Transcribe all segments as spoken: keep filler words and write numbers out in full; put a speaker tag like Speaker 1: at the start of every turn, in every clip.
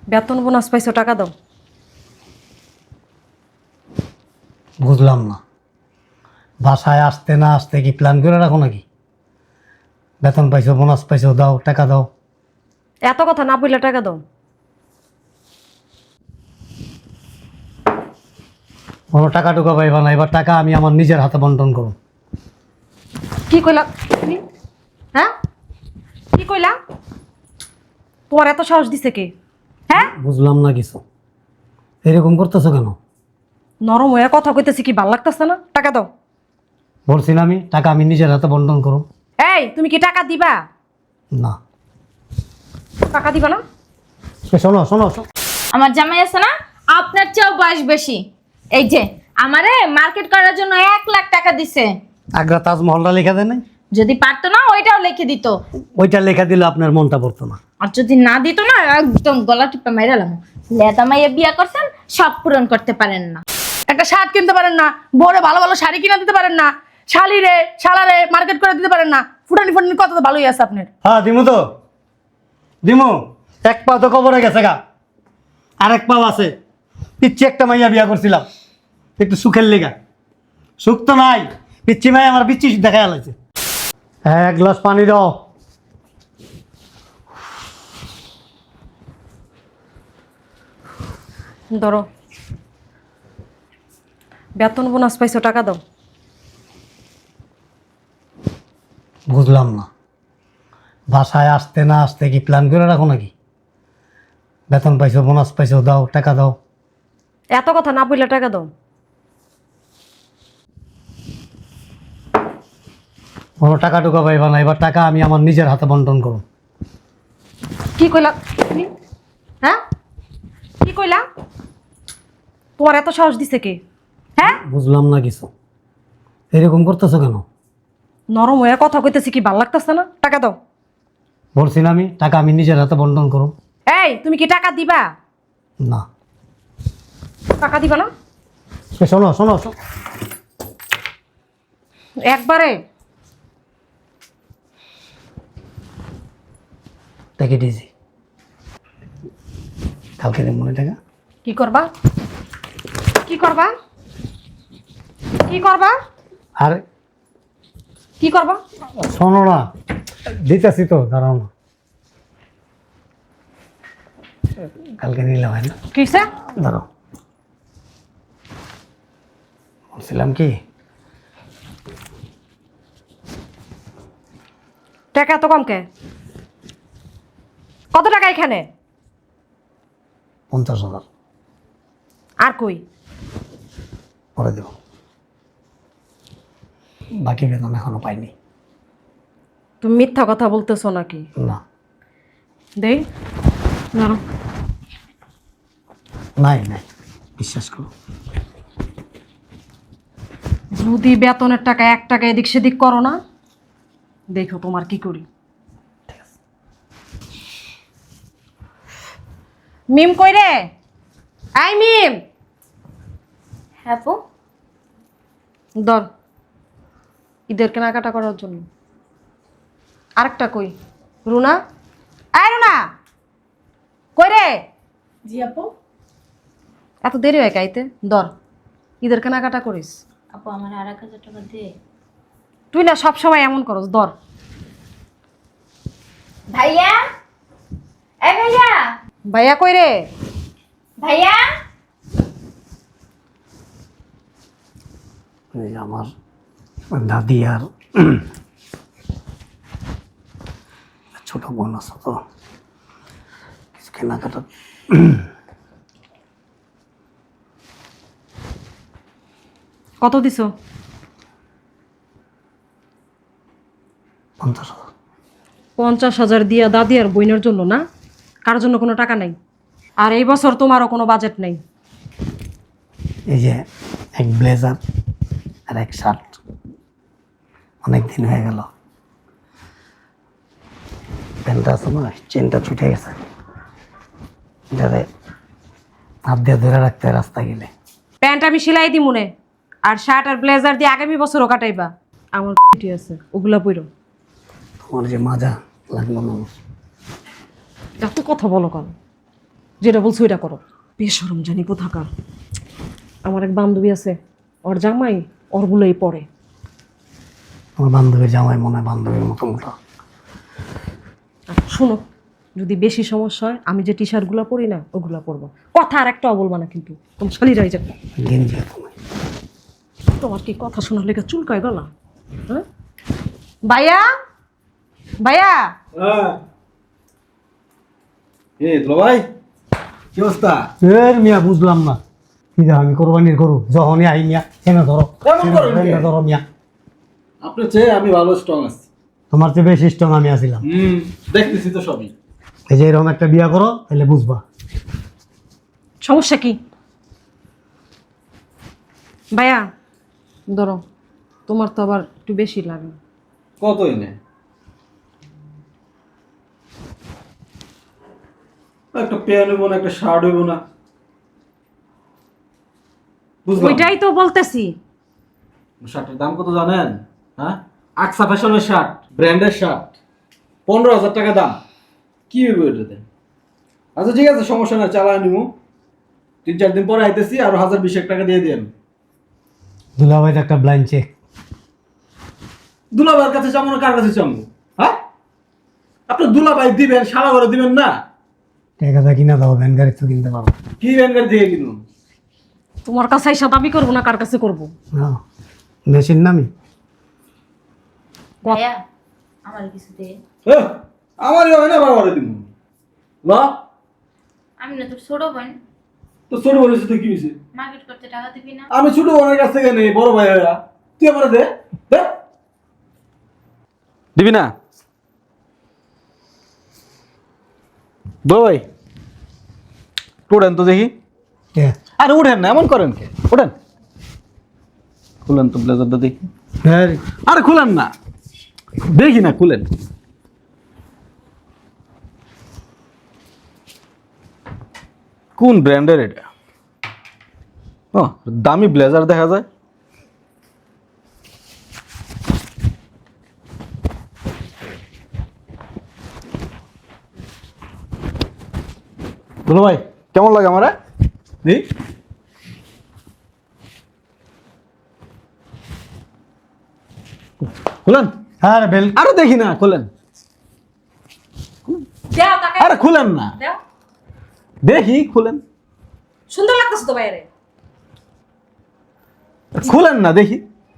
Speaker 1: বেতন বোনাস পাইছো, টাকা দাও।
Speaker 2: বুঝলাম না, বাসায় আসতে না আসতে কি প্ল্যান করে রাখো নাকি? বেতন পাইছো, বোনাস পাইছো, দাও টাকা দাও।
Speaker 1: এত কথা না বললে টাকা দাও।
Speaker 2: কোনো টাকা টুকা পাইবা না, এবার টাকা আমি আমার নিজের হাতে বন্টন করো।
Speaker 1: কি কইলা তুমি? হ্যাঁ, কি কইলা? তোমার এত সাহস দিছে কে? হ্যাঁ,
Speaker 2: বুঝলাম না কিছু, এরকম করতেছো কেন?
Speaker 1: নরম হয়ে কথা কইতেছি, কি ভাল লাগতেছে না? টাকা দাও।
Speaker 2: বলছি না আমি, টাকা আমি নিজের হাতে বন্টন করো।
Speaker 1: এই, তুমি কি টাকা দিবা?
Speaker 2: না,
Speaker 1: টাকা দিবা না?
Speaker 2: এ শোনো শোনো শোনো।
Speaker 3: আমার জামাই আছে না, আপনার চেয়েও বয়স বেশি। এই যে আমারে মার্কেট করার জন্য এক লাখ টাকা দিছে।
Speaker 2: আগ্রা তাজমহলটা লেখা দেয় নাই?
Speaker 3: যদি পারতো না ওইটাও লিখে দিত,
Speaker 2: ওইটা লেখা দিলে আপনার মনটা পড়তো না।
Speaker 3: আর যদি না দিত না একদম গলা টিপে মাইরালাম। লেদা মাইয়া বিয়া করছেন, সব পূরণ করতে পারেন না।
Speaker 4: একটা শার্ট কিনতে পারেন না, বড় ভালো ভালো শাড়ি কিনে দিতে পারেন না, শালি রে শালারে মার্কেট করে দিতে পারেন না। ফুটানি ফুটানি কত তো ভালোই আছে আপনার।
Speaker 2: হ্যাঁ দিমু তো, দিমু। এক পা তো কবরে গেছে গা, আর এক পাও আছে। পিচ্ছি একটা মাইয়া বিয়া করছিলাম একটু সুখের লেগা, সুখ তো নাই। পিচ্ছি মাই আমার পিচ্ছি দেখা গেছে। এক গ্লাস পানি দাও।
Speaker 1: ধরো, বেতন বোনাস পাইছো, টাকা দাও।
Speaker 2: বুঝলাম না, বাসায় আসতে না আসতে কি প্ল্যান করে রাখো নাকি? বেতন পাইছো, বোনাস পাইছো, দাও টাকা দাও।
Speaker 1: এত কথা না বললে টাকা দাও।
Speaker 2: কোনো টাকা টুকা পাইবা না, এবার টাকা আমি আমার নিজের হাতে বন্টন করো।
Speaker 1: কি কইলা তুমি? হ্যাঁ, কি কইলা? তোমার এত সাহস দিছে কে? হ্যাঁ,
Speaker 2: বুঝলাম না কিছু, এরকম করতেছো কেন?
Speaker 1: নরম হয়ে কথা কইতেছি, কি ভাল লাগতেছে না? টাকা দাও।
Speaker 2: বলছি না আমি, টাকা আমি নিজের হাতে বন্টন করো।
Speaker 1: এই, তুমি কি টাকা দিবা?
Speaker 2: না,
Speaker 1: টাকা দিবা না?
Speaker 2: এ শোনো শোনো শোনো।
Speaker 1: একবারে
Speaker 2: টাকা দিয়েছি, কালকে দেব মনে টাকা।
Speaker 1: কি করবা? কি করবা? কি করবা?
Speaker 2: আর
Speaker 1: কি করবা?
Speaker 2: শোনো না, দিতেছি তো, দাঁড়াও না। কালকে নিলে হয় না?
Speaker 1: কিসে?
Speaker 2: দাঁড়াও, বলছিলাম কি,
Speaker 1: টাকা এত কম কে? কত টাকা এখানে?
Speaker 2: পঞ্চাশ হাজার
Speaker 1: আর কই?
Speaker 2: পরে দেব, বাকি বেতন এখনো পাইনি।
Speaker 1: তুমি মিথ্যা কথা বলতেছো নাকি?
Speaker 2: না,
Speaker 1: দেই না।
Speaker 2: নাই নাই, বিশ্বাস করো।
Speaker 1: যদি বেতনের টাকা এক টাকা এদিক সেদিক করো না, দেখো তোমার কি করি। মিম কই রে? আই মিম,
Speaker 3: হ্যাঁ পু,
Speaker 1: ধর ঈদের কেনাকাটা করার জন্য। আরেকটা কই? রুনা, আয় রুনা, কই রে?
Speaker 4: জি আপু।
Speaker 1: এত দেরি হয় কাইতে? ধর ঈদের কেনাকাটা করিস।
Speaker 3: আপু আমার আর এক হাজার টাকা দে।
Speaker 1: তুই না সব সময় এমন করস, ধর।
Speaker 3: ভাইয়া, এ ভাইয়া,
Speaker 1: ভাইয়া কই রে?
Speaker 3: ভাইয়া।
Speaker 2: এই যে আমার দাদি আর ছোট বোন আছে, তো কিছু কেনাকাটা।
Speaker 1: কত দিছো?
Speaker 2: পঞ্চাশ হাজার।
Speaker 1: পঞ্চাশ হাজার দিয়া দাদি আর বইনের জন্য না? কারোর জন্য কোনো টাকা নাই। আর এই বছর তোমারও কোনো বাজেট নেই।
Speaker 2: এই যে এক ব্লেজার আর এক শার্ট, অনেক দিন হয়ে গেল। প্যান্টটা আছে না, চেনটা ছুটে গেছে, যাতে হাত দিয়ে ধরে রাখতে হয় রাস্তা গেলে।
Speaker 1: প্যান্ট আমি সেলাই দি মনে, আর শার্ট আর ব্লেজার দিয়ে আগামী বছরও কাটাইবা। আমার ঠিক আছে, ওগুলা পইরো।
Speaker 2: তোমার যে মাজা লাগলো না,
Speaker 1: এত কথা বলো কেন? যেটা বলছো ওইটা করো। বেশরম জানি কোথাকার। আমার এক বান্ধবী আছে, ওর জামাই ওরগুলোই পরে।
Speaker 2: আমার বান্ধবীর জামাই মনে হয় বান্ধবীর মতো মোটা।
Speaker 1: আর শোনো, যদি বেশি সমস্যা হয় আমি যে টি শার্টগুলো পরি না ওগুলো পরবো। কথা আর একটাও বলবা না কিন্তু, তোমার শালিরাই যাবে।
Speaker 2: গেঞ্জি তুমি
Speaker 1: তোমার কি কথা শোনার লেগে চুলকায় গলা? হ্যাঁ ভাইয়া, ভাইয়া
Speaker 5: হ্যাঁ এ দুলা ভাই কি অবস্থা?
Speaker 2: এর মিয়া বুঝলাম না কি দা আমি কোরবানির গরু যখনই আই মিয়া এনে ধরো
Speaker 5: কেমন করেন কে?
Speaker 2: এনে ধরো মিয়া।
Speaker 5: আপনার চেয়ে আমি ভালো স্ট্রং আছি।
Speaker 2: তোমার চেয়ে বেশি স্ট্রং আমি আছিলাম।
Speaker 5: হুম দেখতেছি তো সবই।
Speaker 2: এই যে এরকম একটা বিয়া করো তাহলে বুঝবা।
Speaker 1: সমস্যা কি? ভাইয়া ধরো, তোমার তো আবার একটু বেশি লাগে।
Speaker 5: কত এনে? একটা প্যান্ট হইব না, একটা শার্ট হইব না, বুঝলাম।
Speaker 1: ওইটাই তো বলতেছি।
Speaker 5: শার্টের দাম কত জানেন? হ্যাঁ, আকসা ফ্যাশনের শার্ট, ব্র্যান্ডের শার্ট, পনেরো হাজার টাকা দাম। কি হইব এটাতে? আচ্ছা ঠিক আছে, সমস্যা না, চালায় নিবো। তিন চার দিন পরে আইতেছি, আরো হাজার বিশেক টাকা দিয়ে দিন।
Speaker 2: দুলাভাইয়ের একটা ব্লাইন্ড চেক।
Speaker 5: দুলাভাইয়ের কাছে চামো না কার কাছে চামো? হ্যাঁ, আপনার দুলাভাই দিবেন, সারা ঘরে দিবেন না।
Speaker 2: টাকা কিনা দাও, ভ্যান গাড়ি তো কিনতে পারো।
Speaker 5: কি ব্যাংকের দিকে কিনুন?
Speaker 1: তোমার কাছে এসে দাবি করবো না, কার কাছে করবো?
Speaker 2: না মেশিন নামি
Speaker 3: ভাইয়া আমার কিছু দে।
Speaker 5: হ্যাঁ, আমারই হয় না, বারবার দিব ল।
Speaker 3: আমি না তোর ছোট বোন,
Speaker 5: তো ছোট বোনের সাথে কি হয়েছে?
Speaker 3: মার্কেট করতে টাকা দিবি না?
Speaker 5: আমি ছোট বোনের কাছ থেকে নেই, বড় ভাই হইয়া। তুই আমার দে, দে। দিবি না? বড় ভাই উঠেন তো দেখি।
Speaker 2: কে?
Speaker 5: আরে উঠেন না, এমন করেন কে? উঠেন, খুলেন তো ব্লেজারটা দেখি।
Speaker 2: হ্যাঁ
Speaker 5: আরে খুলেন না, দেখি না, খুলেন। কোন ব্র্যান্ডের এটা? ও দামি ব্লেজার দেখা যায়। বলো ভাই কেমন লাগে আমার? দেখি খুলেন।
Speaker 2: আরে বেল
Speaker 5: আরে দেখি না, খুলেন।
Speaker 1: দেও তাকে,
Speaker 5: আরে খুলেন না,
Speaker 1: দেও।
Speaker 5: দেখি খুলেন।
Speaker 1: সুন্দর লাগতেছে তো বাইরে।
Speaker 5: খুলেন না, দেখি।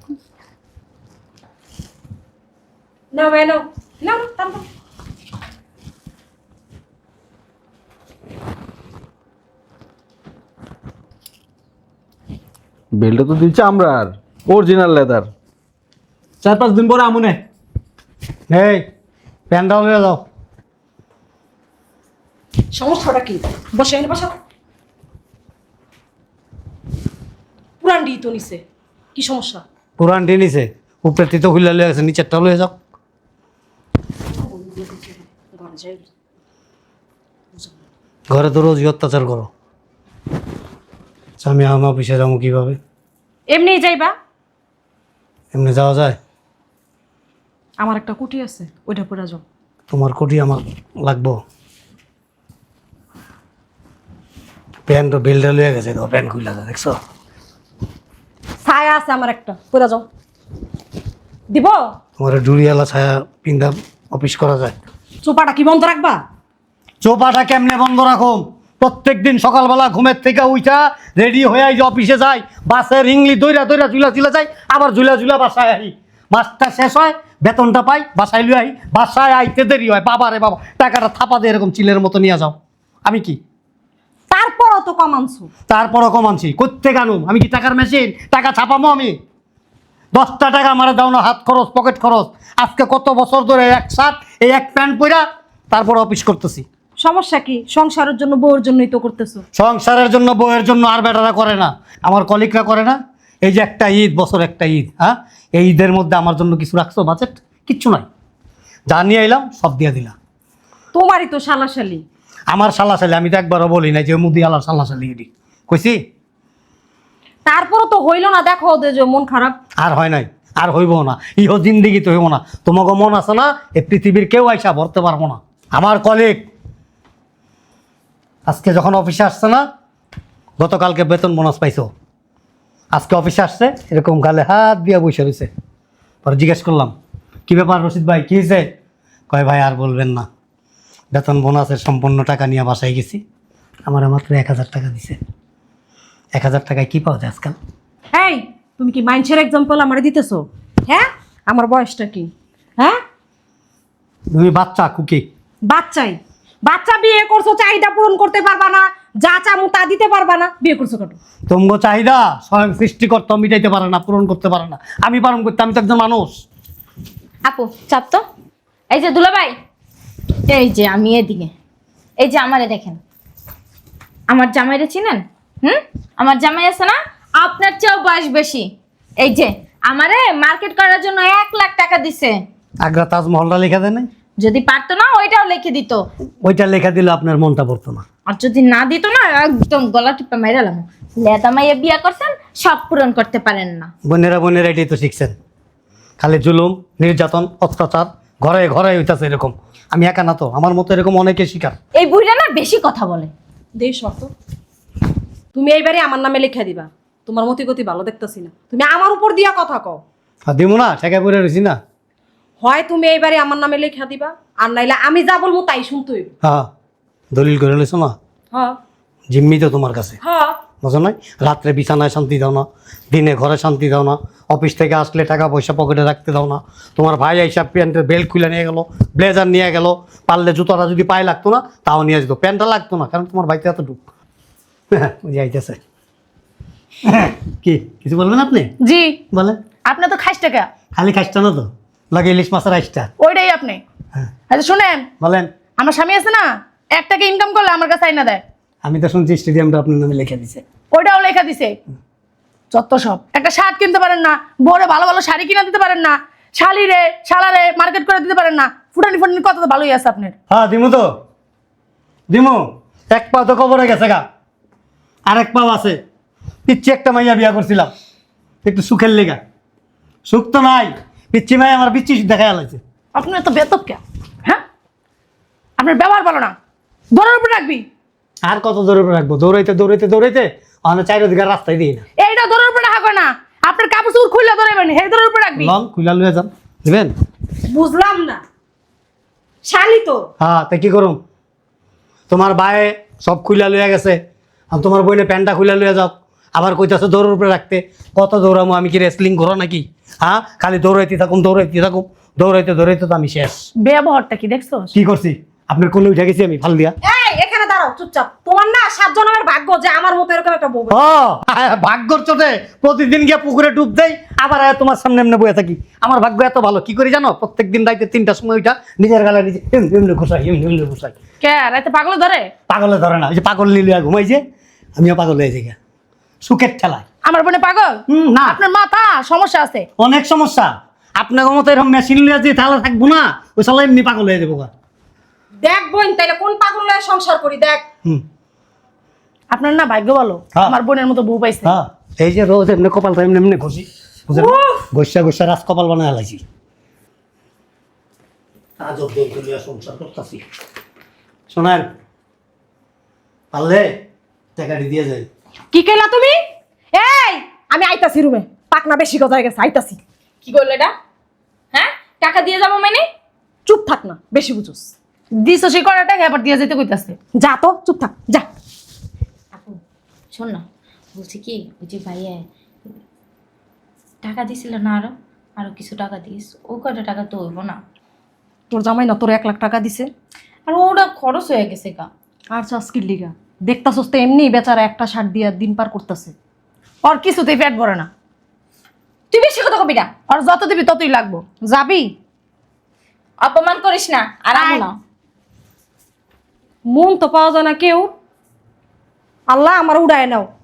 Speaker 1: না ভাই নাও, নাও টান টান।
Speaker 5: বেলটা তো দিচ্ছে আমরা আর অরিজিনাল লেদার। চার পাঁচ দিন পরে আমুনে।
Speaker 2: এই প্যান্ডাল হয়ে যাও।
Speaker 1: সমস্যাটা কি? বসে এনে বসা। পুরান ডি তো নিছে, কি সমস্যা?
Speaker 2: পুরান টেনিসে উপরে তিতো খুলে লয়ে গেছে, নিচেরটা লয়ে যাও।
Speaker 1: ঘরে যাই।
Speaker 2: ঘরে তো রোজই অত্যাচার করো। আচ্ছা, আমি আমার অফিসে যাবো কিভাবে?
Speaker 1: এমনি যাইবা?
Speaker 2: এমনি যাওয়া যায়?
Speaker 1: আমার একটা কুটি আছে, ওইটা পরে যাও।
Speaker 2: তোমার কোটি আমার লাগবো। প্যান্ট বেলটা লয়ে গেছে, তো প্যান্ট খুলে যায় দেখছো?
Speaker 1: ছায়া আছে আমার একটা, পরে যাও। দিব?
Speaker 2: তোমার ডুরিয়ালা ছায়া পিন্ধা অফিস করা যায়?
Speaker 1: চোপাটা কি বন্ধ রাখবা?
Speaker 2: চোপাটা কেমনে বন্ধ রাখো? প্রত্যেক দিন সকালবেলা ঘুমের থেকে উঠা রেডি হয়ে এই যে অফিসে যাই, বাসের ইংলি দইরা দইরা ঝুলা ঝুলা যাই, আবার ঝুলা ঝুলা বাসায় আই। মাসটা শেষ হয়, বেতনটা পাই, বাসায় লুই আই। বাসায় আইতে দেরি হয়, বাবা রে বাবা, টাকাটা থাপা দিয়ে এরকম চিলের মতো নিয়ে যাও। আমি কি
Speaker 1: তারপরও তো কম আনছো।
Speaker 2: তারপরও কমানছি? কোত্থেকে আনুম? আমি কি টাকার মেশিন? টাকা ছাপামো আমি? দশটা টাকা আমার দাও না, হাত খরচ, পকেট খরচ। আজকে কত বছর ধরে এক শার্ট, এই এক প্যান্ট পরা তারপর অফিস করতেছি।
Speaker 1: সমস্যা কি? সংসারের জন্য, বউর জন্যই তো করতেছো।
Speaker 2: সংসারের জন্য, বউয়ের জন্য আর বেটারা করে না, আমার কলিগরা করে না। এই যে একটা ঈদ, বছর একটা ঈদ, হ্যাঁ, এই ঈদের মধ্যে আমার জন্য কিছু রাখছো বাজেট? কিচ্ছু নাই। যা নিয়ে এলাম সব দিয়ে দিলাম।
Speaker 1: তোমারই তো শালাশালি।
Speaker 2: আমার সাল্লাশালি আমি তো একবারও বলি না যে মুদি আলার সাল্লাশালি এটি কইছি।
Speaker 1: তারপরও তো হইলো না, দেখো ওদের যে মন খারাপ।
Speaker 2: আর হয় নাই, আর হইব না, ইহ জিন্দিগি তো হইব না। তোমাকে মন আছে না, এই পৃথিবীর কেউ আইসা ভরতে পারবো না। আমার কলিগ আজকে যখন অফিসে আসছে না, গতকালকে বেতন বোনাস পাইছো, আজকে অফিসে আসছে এরকম গালে হাত দিয়া বসে রয়েছে। পরে জিজ্ঞেস করলাম, কী ব্যাপার রশিদ ভাই, কী হয়েছে? কয় ভাই আর বলবেন না, বেতন বোনাসের সম্পূর্ণ টাকা নিয়ে বাসায় গেছি, আমার মাত্র এক হাজার টাকা দিছে। এক হাজার টাকায় কী পাওয়া যায় আজকাল?
Speaker 1: এই তুমি কি মাইন্সের এক্সাম্পল আমারে দিতেছো? হ্যাঁ, আমার বয়সটা কি? হ্যাঁ,
Speaker 2: তুমি বাচ্চা কুকি।
Speaker 1: বাচ্চাই বাচ্চা, বিয়ে করছো, চাহিদা পূরণ করতে পারবা না, যা চামু তা দিতে পারবা না, বিয়ে করছো কেন?
Speaker 2: তোমার চাহিদা স্বয়ং সৃষ্টিকর্তা মিটাইতে পারে না, পূরণ করতে পারে না, আমি পালন করতে, আমি তো একজন মানুষ।
Speaker 3: আপু চাপ তো। এই যে দুলাভাই, এই যে আমি এদিকে, এই যে আমারে দেখেন, আমার জামাইরে চিনেন? হুম, আমার জামাই আছে না, আপনার চেয়েও বয়স বেশি। এই যে আমারে মার্কেট করার জন্য এক লাখ টাকা দিছে।
Speaker 2: আগ্রা তাজমহলটা লেখা দেয় নাই?
Speaker 3: যদি পারতো না ওইটাও লিখে দিত,
Speaker 2: ওইটা লেখা দিলে আপনার মনটা পড়তো না।
Speaker 3: আর যদি না দিত না একদম গলা টিপে মাইরালাম। লেদা মাইয়া বিয়া করছেন, সব পূরণ করতে পারেন না।
Speaker 2: বোনেরা বোনেরা এটাই তো শিখছেন, খালি জুলুম, নির্যাতন, অত্যাচার, ঘরে ঘরে হইতাছে এরকম। আমি একা না তো, আমার মতো এরকম অনেকে শিকার।
Speaker 3: এই বুড়িটা না বেশি কথা বলে।
Speaker 1: দেই শর্ত, তুমি এইবারে আমার নামে লিখে দিবা। তোমার মতি গতি ভালো দেখতেছি না, তুমি আমার উপর দিয়া কথা কও।
Speaker 2: আর দিমু না, ঠেকা পড়ে রয়েছি না।
Speaker 1: হয় তুমি এইবারে আমার নামে লিখে দিবা, আর নাইলে আমি যা বলবো তাই শুনতে হইব।
Speaker 2: হ্যাঁ, দলিল করে লইছো না,
Speaker 1: হ্যাঁ
Speaker 2: জিম্মি তো তোমার কাছে,
Speaker 1: হ্যাঁ।
Speaker 2: বুঝো নাই? রাত্রে বিছানায় শান্তি দাও না, দিনে ঘরে শান্তি দাও না, অফিস থেকে আসলে টাকা পয়সা পকেটে রাখতে দাও না। তোমার ভাই এইসব প্যান্টের বেল্ট খুলে নিয়ে গেল, ব্লেজার নিয়ে গেল, পারলে জুতোটা যদি পায়ে লাগতো না তাও নিয়ে যেত, প্যান্টটা লাগতো না, কারণ তোমার ভাইতে এত ঢুক যাইতেছে। কি কিছু বলবেন আপনি?
Speaker 4: জি,
Speaker 2: বলেন।
Speaker 4: আপনি তো খাইস টাকা,
Speaker 2: খালি খাইসটা না তো, লাগে ইলিশ মাছের আইসটা।
Speaker 4: ওইটাই আপনি।
Speaker 2: হ্যাঁ
Speaker 4: আচ্ছা শুনেন,
Speaker 2: বলেন।
Speaker 4: আমার স্বামী আছে না, এক টাকা ইনকাম করলে আমার কাছে আইনা দেয়,
Speaker 2: আমি তো শুনছি স্টেডিয়ামটা আপনার নামে লিখে দিছে।
Speaker 4: ওইটাও লেখা দিছে। যত সব, একটা শার্ট কিনতে পারেন না, বড় ভালো ভালো শাড়ি কিনা দিতে পারেন না, শালি রে শালারে মার্কেট করে দিতে পারেন না, ফুটানি ফুটানি কত তো ভালোই আছে আপনার।
Speaker 2: হ্যাঁ দিমু তো, দিমু। এক পা তো কবরে গেছে গা, আর এক পাও আছে। পিচ্ছি একটা মাইয়া বিয়া করছিলাম একটু সুখের লেগা, সুখ তো নাই। পিচ্ছি মাই আমার পিচ্ছি দেখা লাগছে।
Speaker 4: আপনি এত বেতক কে? হ্যাঁ, আপনার ব্যবহার ভালো না, দৌড়ের উপর রাখবি।
Speaker 2: আর কত দৌড়ে রাখবো? দৌড়াইতে দৌড়াইতে দৌড়াইতে আমার চারিদিকে রাস্তায় দিই না।
Speaker 4: এইটা দৌড়ের উপর রাখা হয় না, আপনার কাপড় চুপড় খুললে দৌড়াবেন, হে দৌড়ের উপর রাখবি।
Speaker 2: লং খুলা লুয়ে যান, দিবেন?
Speaker 1: বুঝলাম না, শালি তো।
Speaker 2: হ্যাঁ, তা কি করুম? তোমার ভাই সব খুলা লইয়া গেছে, আর তোমার বইনে প্যান্টটা খুলা লইয়া যাও, আবার কইতাছে দৌড়ের উপরে রাখতে। কত দৌড়ামো? আমি কি রেসলিং করো নাকি? হ্যাঁ, খালি দৌড়াইতে থাকুম দৌড়াইতে থাকুম, দৌড়াইতে দৌড়াইতে তো আমি শেষ।
Speaker 4: ব্যবহারটা কি দেখছো?
Speaker 2: কি করছি? আপনার কোলে উঠে গেছি আমি ফাল দিয়া।
Speaker 1: এই এখানে দাঁড়াও চুপচাপ। তোমার না সাত জন্মের ভাগ্য যে আমার মতো এরকম একটা বউ।
Speaker 2: ও ভাগ্যর চোটে প্রতিদিন গিয়ে পুকুরে ডুব দেই, আবার আয়া তোমার সামনে এমনি বয়ে থাকি। আমার ভাগ্য এত ভালো, কি করি জানো? প্রত্যেকদিন রাইতে তিনটার সময় ওইটা নিজের গালে নিজে এমনি এমনি ঘুষাই, এমনি এমনি ঘুষাই।
Speaker 4: কে রাতে পাগল ধরে?
Speaker 2: পাগলে ধরে না, ওই যে পাগল লিলিয়া ঘুমাই যে, আমিও পাগল হয়ে যাই সুখের ঠেলায়।
Speaker 4: আমার বোনে পাগল?
Speaker 2: হুম, না,
Speaker 4: আপনার মাথা সমস্যা আছে।
Speaker 2: অনেক সমস্যা। আপনার মতো এরকম মেশিন লিয়া যে তাহলে থাকবো না, ওই সালা এমনি পাগল হয়ে যাবো।
Speaker 1: দেখ বোন, তাইলে কোন পাগল লয়ে সংসার করি দেখ।
Speaker 2: হুম,
Speaker 4: আপনার না ভাগ্য ভালো,
Speaker 2: হ্যাঁ।
Speaker 4: আমার বোনের মতো বউ পাইছে।
Speaker 2: হ্যাঁ, এই যে রোজ এমনি কপালটা এমনি এমনি ঘষি, বুঝলেন? ঘষা ঘষা রাজ কপাল বানায় লাইছি। আজব দৌড় লিয়া সংসার করতেছি। শোনেন, পারলে টাকাটি দিয়ে যায়।
Speaker 1: কি কইলা তুমি? এই আমি আইতাছি রুমে, পাকনা বেশি গজায় গেছে, আইতাছি।
Speaker 3: কি করলো এটা? হ্যাঁ, টাকা দিয়ে যাবো মানে?
Speaker 1: চুপ থাক না, বেশি বুঝোস।
Speaker 4: দিছো সে কটা টাকা আবার দিয়ে যেতে কইতাছে।
Speaker 1: যা তো, চুপ থাক যা।
Speaker 3: আপু শোন না, বলছি কি, ওই যে ভাইয়া টাকা দিছিল না, আরো আরো কিছু টাকা দিস, ও কয়টা টাকা তো হইব না।
Speaker 1: তোর জামাই না তোর এক লাখ টাকা দিছে,
Speaker 3: আর ওটা খরচ হয়ে গেছে গা।
Speaker 1: আর চাষকির লিগা দেখতাছস তো এমনি বেচারা একটা শার্ট দিয়া দিন পার করতেছে।
Speaker 4: ওর কিছুতেই পেট ভরে না,
Speaker 3: তুই বেশি কথা কবি না।
Speaker 4: আর যত দিবি ততই লাগবো।
Speaker 1: যাবি?
Speaker 3: অপমান করিস না, আর আমু না।
Speaker 1: মন তো পাওয়া যায় না কেউ। আল্লাহ আমার উড়ায় নাও।